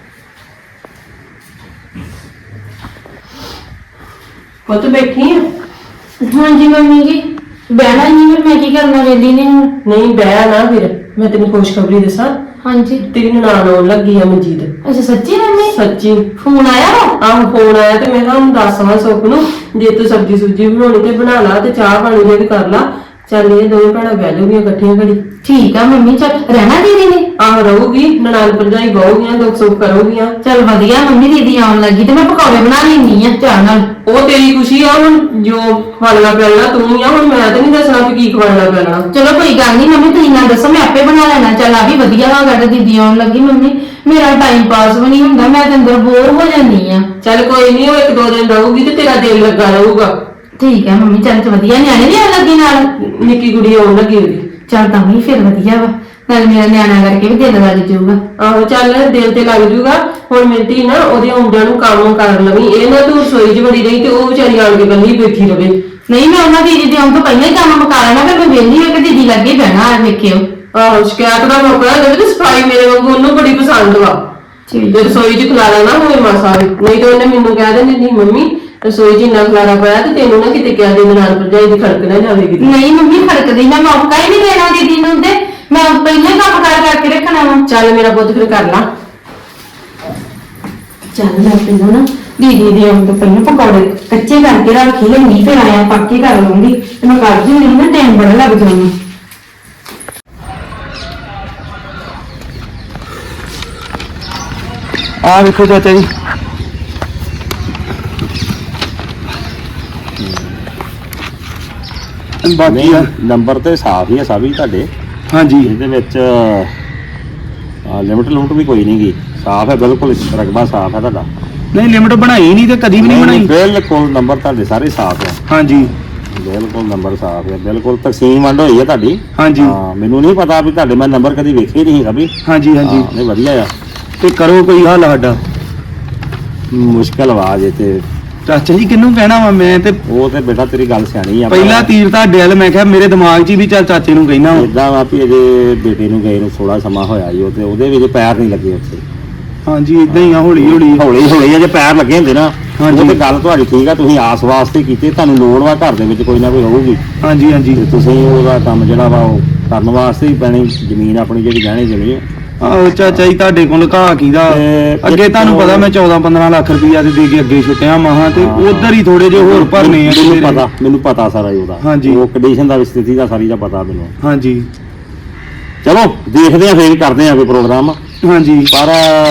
Speaker 1: ਪੁੱਤ ਬੈਠੀ ਆ?
Speaker 2: ਹਾਂਜੀ ਮੰਮੀ ਜੀ, ਬਹਿਣਾ ਹੀ ਨਹੀਂ, ਫਿਰ ਮੈਂ ਕੀ ਕਰਨਾ, ਵੇਲੀ ਨੇ ਹੁਣ।
Speaker 1: ਨਹੀਂ ਬਹਿ ਨਾ, ਫਿਰ ਮੈਂ ਤੈਨੂੰ ਖੁਸ਼ਖਬਰੀ ਦੱਸਾਂ,
Speaker 2: ਹਾਂਜੀ।
Speaker 1: ਤੇਰੀ ਨਨਾਣ ਆਉਣ ਲੱਗੀ ਆ ਮਨਜੀਤ।
Speaker 2: ਅੱਛਾ ਸੱਚੀ ਮੰਮੀ?
Speaker 1: ਸੱਚੀ
Speaker 2: ਫੋਨ ਆਇਆ ਵਾ?
Speaker 1: ਆਹ ਫੋਨ ਆਇਆ, ਤੇ ਮੈਂ ਕਿਹਾ ਉਹਨੂੰ ਦੱਸਵਾ ਸੁੱਖ ਨੂੰ, ਜੇ ਤੂੰ ਸਬਜ਼ੀ ਸੁਬਜੀ ਬਣਾਉਣੀ ਤੇ ਬਣਾ ਲਾ, ਤੇ ਚਾਹ ਪਾਣੀ ਜੇ ਵੀ ਕਰ ਲਾ। ਚੱਲ ਇਹ ਦੋਵੇਂ ਭੈਣਾਂ ਬਹਿ ਜਾਊਗੀਆਂ ਇਕੱਠੀਆਂ ਘੜੀ।
Speaker 2: ਠੀਕ ਆ ਮੰਮੀ, ਚੱਲ ਰਹਿਣਾ ਦੀਦੀ ਨੇ?
Speaker 1: ਆਹ ਰਹੂਗੀ, ਨਨਾਣ ਭਰਜਾਈ ਬਹੂਗੀਆਂ, ਦੁੱਖ ਸੁੱਖ ਕਰੂਗੀਆਂ।
Speaker 2: ਚੱਲ ਵਧੀਆ ਮੰਮੀ, ਦੀਦੀ ਆਉਣ ਲੱਗੀ ਤੇ ਮੈਂ ਪਕੌੜੇ ਬਣਾ ਲੈਣੀ ਆ ਚਾਹ ਨਾਲ।
Speaker 1: ਉਹ ਤੇਰੀ ਖੁਸ਼ੀ ਆ, ਹੁਣ ਜੋ ਖਵਾਲਣਾ ਪਿਆਲਣਾ ਤੂੰ ਹੀ ਆ, ਹੁਣ ਮੈਂ ਤੇ ਨਹੀਂ ਦੱਸਣਾ ਵੀ ਕੀ ਖਵਾਲਣਾ ਪਿਆਲਣਾ।
Speaker 2: ਚਲੋ ਕੋਈ ਗੱਲ ਨਹੀਂ ਮੰਮੀ, ਤੁਸੀਂ ਨਾ ਦੱਸੋ, ਮੈਂ ਆਪੇ ਬਣਾ ਲੈਣਾ। ਚੱਲ ਆ ਵੀ ਵਧੀਆ ਵਾ ਗੱਲ, ਦੀਦੀ ਆਉਣ ਲੱਗੀ। ਮੰਮੀ ਮੇਰਾ ਟਾਈਮ ਪਾਸ ਵੀ ਨਹੀਂ ਹੁੰਦਾ, ਮੈਂ ਤੇ ਅੰਦਰ ਬੋਰ ਹੋ ਜਾਂਦੀ ਆ।
Speaker 1: ਚੱਲ ਕੋਈ ਨਹੀਂ, ਉਹ 1-2 ਦਿਨ ਰਹੂਗੀ ਤੇ ਤੇਰਾ ਦਿਲ ਲੱਗਾ ਰਹੂਗਾ।
Speaker 2: ਠੀਕ ਹੈ ਮੰਮੀ, ਚੱਲ ਤੇ ਵਧੀਆ। ਨਿਆਣੇ ਵੀ ਆਉਣ ਲੱਗੀ ਨਾਲ?
Speaker 1: ਨਿੱਕੀ ਕੁੜੀ ਆਉਣ ਲੱਗੀ ਉਹਦੀ।
Speaker 2: ਚੱਲ ਤਾਂ ਵੀ ਫਿਰ ਵਧੀਆ ਵਾ, ਨਾਲ ਮੇਰਾ ਨਿਆਣਾ ਕਰਕੇ ਵੀ ਦਿਲ ਲੱਗ ਜਾਊਗਾ।
Speaker 1: ਆਹੋ ਚੱਲ ਦਿਲ ਤੇ ਲੱਗ ਜੂਗਾ। ਹੁਣ ਮਿੰਟੀ ਨਾ ਉਹਦੇ ਆਉਂਦਿਆਂ ਨੂੰ ਕੰਮ ਕਰ ਲਵੀਂ, ਇਹ ਨਾ ਤੂੰ ਰਸੋਈ 'ਚ ਵੜੀ ਰਹੀ ਤੇ ਉਹ ਵਿਚਾਰੀ ਆਣ ਕੇ ਇਕੱਲੀ ਬੈਠੀ ਰਵੇ।
Speaker 2: ਨਹੀਂ ਮੈਂ ਉਹਨਾਂ ਦੀਦੀ ਦੇ ਆਉਣ ਤੋਂ ਪਹਿਲਾਂ ਹੀ ਕੰਮ ਮੁਕਾ ਲੈਣਾ, ਫਿਰ ਮੈਂ ਵਿਹਲੀ ਹੋ ਕੇ ਦੀਦੀ ਲੱਗੇ ਬਹਿਣਾ। ਆ ਵੇਖਿਓ,
Speaker 1: ਆਹੋ ਸ਼ਿਕਾਇਤ ਦਾ ਮੌਕਾ ਦੇਵੇ ਤੇ ਸਫਾਈ ਮੇਰੇ ਵਾਂਗੂ ਉਹਨੂੰ ਬੜੀ ਪਸੰਦ ਵਾ। ਜੇ ਰਸੋਈ 'ਚ ਖਲਾਰਾ ਨਾ ਹੋਵੇ ਮਾਸਾ ਵੀ, ਨਹੀਂ ਤਾਂ ਉਹਨੇ ਮੈਨੂੰ ਕਹਿ ਦੇਣੀ ਨਹੀਂ ਮੰਮੀ ਰਸੋਈ 'ਚ ਇੰਨਾ ਖਲਾਰਾ ਪਾਇਆ ਤੇ ਤੈਨੂੰ ਨਾ ਕਿਤੇ ਕਿਹਾ ਦੇ ਨਾਲ ਭਰਜਾਈ ਦੀ ਖੜਕ ਨਾ ਜਾਵੇ ਕਿਤੇ।
Speaker 2: ਨਹੀਂ ਮੰਮੀ ਖੜਕਦੀ, ਮੈਂ ਮੌਕਾ ਹੀ ਨਹੀਂ ਦੇਣਾ ਦੀਦੀ ਨੂੰ, ਤੇ ਮੈਂ ਪਹਿਲਾਂ ਹੀ ਕੰਮ ਕਰਕੇ ਰੱਖਣਾ ਵਾ।
Speaker 1: ਚੱਲ ਮੇਰਾ ਪੁੱਤ ਫਿਰ ਕਰ ਲਾ।
Speaker 2: ਚੱਲ ਮੈਂ ਤੈਨੂੰ ਨਾ ਦੀਦੀ ਦੇ ਆਉਣ ਤੋਂ ਪਹਿਲਾਂ ਪਕੌੜੇ ਕੱਚੇ ਕਰਕੇ ਰੱਖ ਹੀ ਲੈਣੀ, ਫਿਰ ਆਇਆ ਪੱਕੇ ਕਰ ਲੂੰਗੀ ਤੇ ਮੈਂ ਕਰ ਦਿੰਦੀ ਨਾ, ਟਾਈਮ ਬੜਾ ਲੱਗ ਜਾਣਾ।
Speaker 3: ਆ ਵੇਖੋ ਚਾਚਾ ਜੀ, ਬਾਕੀ ਆ
Speaker 4: ਨੰਬਰ ਤੇ ਸਾਫ ਹੀ ਆ ਸਭ ਹੀ ਤੁਹਾਡੇ।
Speaker 3: ਹਾਂਜੀ
Speaker 4: ਇਹਦੇ ਵਿੱਚ ਲਿਮਟ ਲੁਮਟ ਵੀ ਕੋਈ ਨਹੀਂ ਗੀ, ਸਾਫ ਹੈ ਬਿਲਕੁਲ, ਰਕਬਾ ਸਾਫ ਹੈ ਤੁਹਾਡਾ।
Speaker 3: ਨਹੀਂ ਲਿਮਟ ਬਣਾਈ ਨਹੀਂ ਤੇ ਕਦੀ ਵੀ ਨਹੀਂ ਬਣਾਈ।
Speaker 4: ਬਿਲਕੁਲ ਨੰਬਰ ਤੁਹਾਡੇ ਸਾਰੇ ਸਾਫ ਹੈ,
Speaker 3: ਹਾਂਜੀ
Speaker 4: ਬਿਲਕੁਲ ਨੰਬਰ ਸਾਫ ਹੈ, ਬਿਲਕੁਲ ਤਕਸੀਮ ਵੰਡ ਹੋਈ ਹੈ ਤੁਹਾਡੀ।
Speaker 3: ਹਾਂਜੀ
Speaker 4: ਹਾਂ ਮੈਨੂੰ ਨਹੀਂ ਪਤਾ ਵੀ ਤੁਹਾਡੇ ਮੈਂ ਨੰਬਰ ਕਦੀ ਵੇਖੇ ਨਹੀਂ ਕਦੀ।
Speaker 3: ਹਾਂਜੀ ਹਾਂਜੀ
Speaker 4: ਨਹੀਂ ਵਧੀਆ ਆ।
Speaker 3: ਤੇ ਕਰੋ ਕੋਈ ਹੱਲ ਸਾਡਾ।
Speaker 4: ਮੁਸ਼ਕਲ ਆਵਾਜ਼ ਹੈ ਤੇ
Speaker 3: ਚਾਚਾ ਜੀ ਕਿਹਨੂੰ ਕਹਿਣਾ ਵਾ ਮੈਂ ਤੇ
Speaker 4: ਉਹ ਤੇ ਬੇਟਾ ਤੇਰੀ ਗੱਲ ਸਿਆਣੀ ਆ।
Speaker 3: ਪਹਿਲਾ ਤੀਰ ਤੁਹਾਡੇ ਵੱਲ, ਮੈਂ ਕਿਹਾ ਮੇਰੇ ਦਿਮਾਗ 'ਚ ਵੀ ਚੱਲ ਚਾਚੇ ਨੂੰ ਕਹਿਣਾ ਵਾ।
Speaker 4: ਇਦਾਂ ਵਾ ਵੀ ਅਜੇ ਬੇਟੇ ਨੂੰ ਗਏ ਨੂੰ ਥੋੜਾ ਸਮਾਂ ਹੋਇਆ ਜੀ, ਉਹ ਤੇ ਉਹਦੇ ਵਿੱਚ ਪੈਰ ਨਹੀਂ ਲੱਗੇ ਉੱਥੇ।
Speaker 3: ਹਾਂਜੀ ਇਦਾਂ ਹੀ ਆ, ਹੌਲੀ ਹੌਲੀ
Speaker 4: ਹੌਲੀ ਹੌਲੀ ਅਜੇ ਪੈਰ ਲੱਗੇ ਹੁੰਦੇ ਨਾ।
Speaker 3: ਹਾਂਜੀ।
Speaker 4: ਉਹ ਤੇ ਗੱਲ ਤੁਹਾਡੀ ਠੀਕ ਆ, ਤੁਸੀਂ ਆਸ ਵਾਸਤੇ ਕੀਤੇ, ਤੁਹਾਨੂੰ ਲੋੜ ਵਾ ਘਰ ਦੇ ਵਿੱਚ ਕੋਈ ਨਾ ਕੋਈ ਹੋਊਗੀ
Speaker 3: ਹਾਂਜੀ ਹਾਂਜੀ
Speaker 4: ਤੇ ਤੁਸੀਂ ਉਹਦਾ ਕੰਮ ਜਿਹੜਾ ਵਾ ਉਹ ਕਰਨ ਵਾਸਤੇ ਹੀ ਪੈਣੀ, ਜ਼ਮੀਨ ਆਪਣੀ ਜਿਹੜੀ ਗਹਿਣੇ ਜਮੀ ਆ।
Speaker 3: ਆਹੋ ਚਾਚਾ ਜੀ ਤੁਹਾਡੇ ਕੋਲ ਘਾਹ ਕੀਦਾ
Speaker 4: ਤੇ
Speaker 3: ਅੱਗੇ ਤੁਹਾਨੂੰ ਪਤਾ ਮੈਂ 14-15 ਲੱਖ ਰੁਪਈਆ ਤੇ ਦੇ ਕੇ ਅੱਗੇ ਛੁੱਟਿਆ ਮਹਾ ਤੇ ਉਧਰ ਹੀ ਥੋੜੇ ਜਿਹੇ ਹੋਰ ਭਰਨੇ ਆ
Speaker 4: ਮੈਨੂੰ ਪਤਾ ਸਾਰਾ ਹੀ ਉਹਦਾ।
Speaker 3: ਹਾਂਜੀ।
Speaker 4: ਉਹ ਕੰਡੀਸ਼ਨ ਦਾ ਸਥਿਤੀ ਦਾ ਸਾਰੀ ਦਾ ਪਤਾ ਮੈਨੂੰ।
Speaker 3: ਹਾਂਜੀ
Speaker 4: ਚਲੋ ਦੇਖਦੇ ਆ ਫੇਰ ਕਰਦੇ ਆ ਕੋਈ ਪ੍ਰੋਗਰਾਮ,
Speaker 3: ਹਾਂਜੀ
Speaker 4: ਪਰ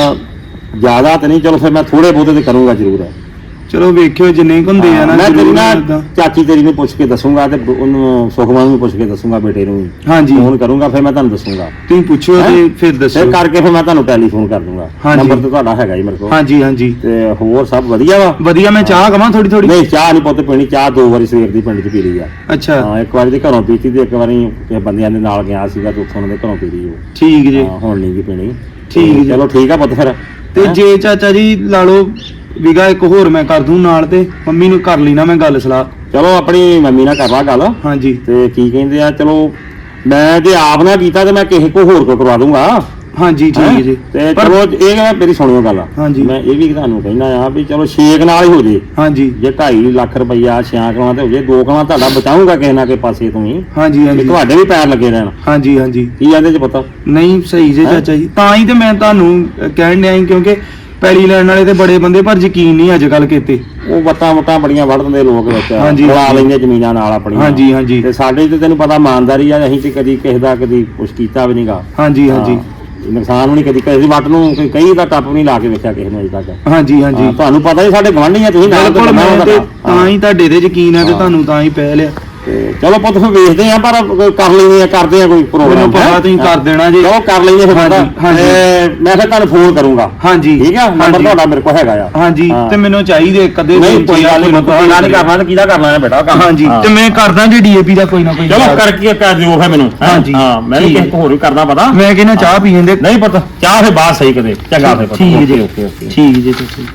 Speaker 4: ਜ਼ਿਆਦਾ ਤੇ ਨਹੀਂ। ਚਲੋ ਫਿਰ ਮੈਂ ਥੋੜੇ ਬਹੁਤੇ ਤੇ ਕਰੂੰਗਾ ਜ਼ਰੂਰ।
Speaker 3: ਚਲੋ ਵੇਖਿਓ ਜਿੰਨੇ ਕੁ ਹੁੰਦੇ ਆ ਨਾ
Speaker 4: ਮੈਂ ਤੇਰੀ
Speaker 3: ਜ਼ਰੂਰ
Speaker 4: ਨਾ
Speaker 3: ਏਦਾਂ।
Speaker 4: ਚਾਚੀ ਤੇਰੀ ਨੂੰ ਪੁੱਛ ਕੇ ਦੱਸੂਗਾ ਤੇ ਉਹਨੂੰ ਸੁਖਮਨ ਨੂੰ ਪੁੱਛ ਕੇ ਦੱਸੂਗਾ, ਬੇਟੇ ਨੂੰ ਵੀ
Speaker 3: ਹਾਂਜੀ
Speaker 4: ਫੋਨ ਕਰੂੰਗਾ, ਫਿਰ ਮੈਂ ਤੁਹਾਨੂੰ ਦੱਸੂਗਾ।
Speaker 3: ਤੁਸੀਂ ਪੁੱਛੋ ਤੇ
Speaker 4: ਹੈਂ?
Speaker 3: ਫਿਰ ਦੱਸੋ।
Speaker 4: ਫਿਰ ਕਰਕੇ ਫਿਰ ਮੈਂ ਤੁਹਾਨੂੰ ਟੈਲੀਫੋਨ ਕਰ ਦੂੰਗਾ।
Speaker 3: ਹਾਂਜੀ।
Speaker 4: ਨੰਬਰ ਤੇ ਤੁਹਾਡਾ ਹੈਗਾ ਹੀ ਮੇਰੇ ਕੋਲ।
Speaker 3: ਹਾਂਜੀ ਹਾਂਜੀ
Speaker 4: ਤੇ ਹੋਰ ਸਭ ਵਧੀਆ ਵਾ?
Speaker 3: ਵਧੀਆ। ਮੈਂ ਚਾਹ ਕਵਾਂ ਥੋੜੀ ਥੋੜੀ?
Speaker 4: ਨਹੀਂ ਚਾਹ ਨਹੀਂ ਪੁੱਤ ਪੀਣੀ, ਚਾਹ 2 ਵਾਰੀ ਸਵੇਰ ਦੀ ਪਿੰਡ 'ਚ ਪੀ ਲਈ ਆ।
Speaker 3: ਅੱਛਾ
Speaker 4: ਹਾਂ ਇੱਕ ਵਾਰੀ ਦੇ ਘਰੋਂ ਪੀਤੀ ਤੇ ਇੱਕ ਵਾਰੀ ਕਿਸੇ ਬੰਦਿਆਂ ਦੇ ਨਾਲ ਗਿਆ ਸੀਗਾ ਤੇ ਉੱਥੋਂ ਉਹਨਾਂ ਦੇ ਘਰੋਂ ਪੀ ਲਈ ਉਹ।
Speaker 3: ਠੀਕ ਜੀ
Speaker 4: ਹਾਂ ਹੁਣ ਨਹੀਂ ਗੀ ਪੀਣੀ।
Speaker 3: ਠੀਕ ਜੀ।
Speaker 4: ਚਲੋ ਠੀਕ ਆ ਪੁੱਤ ਫਿਰ।
Speaker 3: ਤੇ
Speaker 4: ਹੈਂ?
Speaker 3: ਜੇ ਚਾਚਾ ਜੀ ਲਾ ਲਓ ਵਿਗਾ ਇੱਕ ਹੋਰ ਮੈਂ ਕਰ ਦੂੰ ਨਾਲ, ਤੇ ਮੰਮੀ ਨੂੰ ਕਰ ਲੈਣਾ ਮੈਂ ਗੱਲ ਸਲਾਹ।
Speaker 4: ਚਲੋ ਆਪਣੀ ਮੰਮੀ ਨਾਲ ਕਰ ਲਾ ਗੱਲ
Speaker 3: ਹਾਂਜੀ
Speaker 4: ਤੇ ਕੀ ਕਹਿੰਦੇ ਆ। ਚਲੋ ਮੈਂ ਜੇ ਆਪ ਨਾ ਕੀਤਾ ਤੇ ਮੈਂ ਕਿਸੇ ਕੋ ਹੋਰ ਕੋ ਕਰਵਾ ਦੂੰਗਾ।
Speaker 3: ਹਾਂਜੀ ਠੀਕ
Speaker 4: ਹੈਂ?
Speaker 3: ਜੀ।
Speaker 4: ਤੇ
Speaker 3: ਪਰ-
Speaker 4: ਚਲੋ ਇਹ ਨਾ ਮੇਰੀ ਸੁਣਿਓ ਗੱਲ।
Speaker 3: ਹਾਂਜੀ।
Speaker 4: ਮੈਂ ਇਹ ਵੀ ਤੁਹਾਨੂੰ ਕਹਿਣਾ ਆ ਵੀ ਚਲੋ 6 ਨਾਲ ਹੀ ਹੋ ਜੇ।
Speaker 3: ਹਾਂਜੀ
Speaker 4: ਜੇ 2.5 ਲੱਖ ਰੁਪਈਆ 6 ਕਲਾਂ ਤੇ ਹੋ ਜੇ, 2 ਕਲਾਂ ਤੁਹਾਡਾ ਬਚਾਊਗਾ ਕਿਸੇ ਨਾ ਕਿਸੇ ਪਾਸੇ ਤੋਂ ਹੀ।
Speaker 3: ਹਾਂਜੀ
Speaker 4: ਤੇ
Speaker 3: ਹਾਂਜੀ
Speaker 4: ਤੁਹਾਡੇ ਵੀ ਪੈਰ ਲੱਗੇ ਰਹਿਣ।
Speaker 3: ਹਾਂਜੀ ਹਾਂਜੀ
Speaker 4: ਕੀ ਜਾਂਦੇ ਚ ਪਤਾ।
Speaker 3: ਨਹੀਂ ਸਹੀ ਜੇ
Speaker 4: ਹੈਂ?
Speaker 3: ਚਾਚਾ ਜੀ, ਤਾਂ ਹੀ ਤੇ ਮੈਂ ਤੁਹਾਨੂੰ ਕਹਿਣ ਡਿਆ ਸੀ ਕਿਉਂਕਿ ਪੈਲੀ ਲੈਣ ਵਾਲੇ ਤੇ ਬੜੇ ਬੰਦੇ ਪਰ ਯਕੀਨ ਨਹੀਂ ਅੱਜ ਕੱਲ ਕੀਤੇ।
Speaker 4: ਉਹ ਵਟਾਂ ਬੜੀਆਂ ਵੜ ਦਿੰਦੇ ਲੋਕ ਵਿੱਚ,
Speaker 3: ਹਾਂਜੀ,
Speaker 4: ਲਾ
Speaker 3: ਹਾਂਜੀ।
Speaker 4: ਲੈਂਦੇ ਜ਼ਮੀਨਾਂ ਨਾਲ ਆਪਣੀਆਂ।
Speaker 3: ਹਾਂਜੀ ਹਾਂਜੀ
Speaker 4: ਤੇ ਸਾਡੇ ਤੇ ਤੈਨੂੰ ਪਤਾ ਇਮਾਨਦਾਰੀ ਆ, ਅਸੀਂ ਤੇ ਕਦੀ ਕਿਸੇ ਦਾ ਕਦੀ ਕੁਛ ਕੀਤਾ ਵੀ ਨਹੀਂਗਾ।
Speaker 3: ਹਾਂਜੀ ਹਾਂਜੀ
Speaker 4: ਨੁਕਸਾਨ ਵੀ ਨਹੀਂ ਕਦੀ ਕਿਸੇ ਦੀ ਵੱਟ ਨੂੰ ਕਈ ਦਾ ਟੱਪ ਵੀ ਨਹੀਂ ਲਾ ਕੇ ਵੇਖਿਆ ਕਿਸੇ ਨੂੰ ਅਜੇ ਤੱਕ।
Speaker 3: ਹਾਂਜੀ ਹਾਂਜੀ
Speaker 4: ਹਾਂ, ਤੁਹਾਨੂੰ ਪਤਾ ਹੀ ਸਾਡੇ ਗਵਾਂਢੀ ਆ ਤੁਸੀਂ ਨਾਲ ਤੇ
Speaker 3: ਬਿਲਕੁਲ।
Speaker 4: ਬੰਨਾ
Speaker 3: ਮੈਂ ਤੇ
Speaker 4: ਤੁਹਾਡਾ।
Speaker 3: ਤਾਂ ਹੀ ਤੁਹਾਡੇ ਤੇ ਯਕੀਨ ਹੈ ਤੇ
Speaker 4: ਹਾਂ।
Speaker 3: ਤੁਹਾਨੂੰ ਤਾਂ ਹੀ ਪੈ ਲਿਆ।
Speaker 4: ਤੇ ਚਲੋ ਪੁੱਤ ਫਿਰ ਵੇਖਦੇ ਆ, ਪਰ ਕਰ ਲੈਂਦੇ ਆ, ਕਰਦੇ ਆ ਕੋਈ
Speaker 3: ਮੈਨੂੰ
Speaker 4: ਪ੍ਰੋਗਰਾਮ।
Speaker 3: ਪਤਾ ਤੁਸੀਂ ਕਰ ਦੇਣਾ ਜੀ।
Speaker 4: ਚਲੋ ਕਰ ਲੈਂਦੇ ਫਿਰ
Speaker 3: ਹਾਂਜੀ,
Speaker 4: ਪਤਾ।
Speaker 3: ਹਾਂਜੀ।
Speaker 4: ਤੇ ਮੈਂ ਫਿਰ ਤੁਹਾਨੂੰ ਫੋਨ ਕਰੂੰਗਾ।
Speaker 3: ਹਾਂਜੀ
Speaker 4: ਠੀਕ ਆ, ਨੰਬਰ
Speaker 3: ਹਾਂਜੀ।
Speaker 4: ਤੁਹਾਡਾ ਮੇਰੇ ਕੋਲ ਹੈਗਾ ਆ।
Speaker 3: ਹਾਂਜੀ
Speaker 4: ਹਾਂ।
Speaker 3: ਤੇ ਮੈਨੂੰ ਚਾਹੀਦੇ ਕਦੇ
Speaker 4: ਨਹੀਂ ਕੋਈ ਗੱਲ ਨਹੀਂ, ਪਤਾ ਨਹੀਂ ਕਰਨਾ ਤੇ ਕਿਹਦਾ ਕਰਨਾ ਹੈ ਬੇਟਾ ਕੰਮ।
Speaker 3: ਹਾਂਜੀ
Speaker 4: ਹਾਂ।
Speaker 3: ਤੇ ਮੈਂ ਕਰਦਾ ਜੀ ਡੀਏਪੀ ਦਾ ਕੋਈ ਨਾ ਕੋਈ।
Speaker 4: ਚਲੋ ਕਰਕੇ ਕਰ ਦਿਓ ਫਿਰ ਮੈਨੂੰ। ਹੈਂ?
Speaker 3: ਹਾਂਜੀ।
Speaker 4: ਹਾਂ ਮੈਂ ਵੀ
Speaker 3: ਠੀਕ
Speaker 4: ਕਿਸੇ ਕੋ ਹੋਰ ਵੀ ਕਰਦਾ ਪਤਾ।
Speaker 3: ਮੈਂ ਕਹਿੰਦਾ ਚਾਹ ਪੀ ਜਾਂਦੇ।
Speaker 4: ਨਹੀਂ ਪਤਾ ਚਾਹ ਫਿਰ ਬਾਹਰ ਸਹੀ ਕਦੇ ਚੰਗਾ ਫਿਰ ਪਤਾ।
Speaker 3: ਠੀਕ ਜੀ
Speaker 4: ਓਕੇ ਓਕੇ।
Speaker 3: ਠੀਕ ਜੀ ਤੁਸੀਂ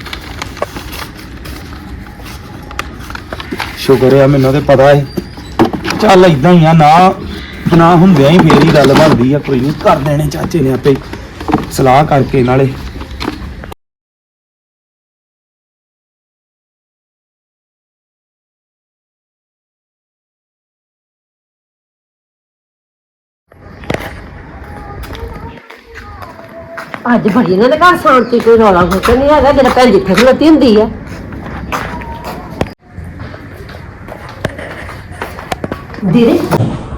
Speaker 3: ਸ਼ੁਕਰ ਆ, ਮੈਨੂੰ ਤੇ ਪਤਾ ਹੈ। ਚੱਲ ਇਦਾਂ ਹੀ ਆ, ਨਾ ਹੁੰਦਿਆਂ ਹੀ ਫੇਰ ਹੀ ਗੱਲ ਬਣਦੀ ਆ। ਕੋਈ ਨਹੀਂ ਕਰ ਦੇਣੇ ਚਾਚੇ ਨੇ ਆਪੇ ਸਲਾਹ ਕਰਕੇ ਨਾਲੇ।
Speaker 5: ਅੱਜ ਬੜੀ ਇਹਨਾਂ ਦੇ ਘਰ ਸ਼ਾਂਤੀ, ਕੋਈ ਰੌਲਾ ਫੋਕਾ ਨਹੀਂ ਹੈਗਾ। ਜਿਹੜਾ ਭੈਣ ਜਿੱਥੇ ਖਲੋਤੀ ਹੁੰਦੀ ਆ। ਦੀਦੀ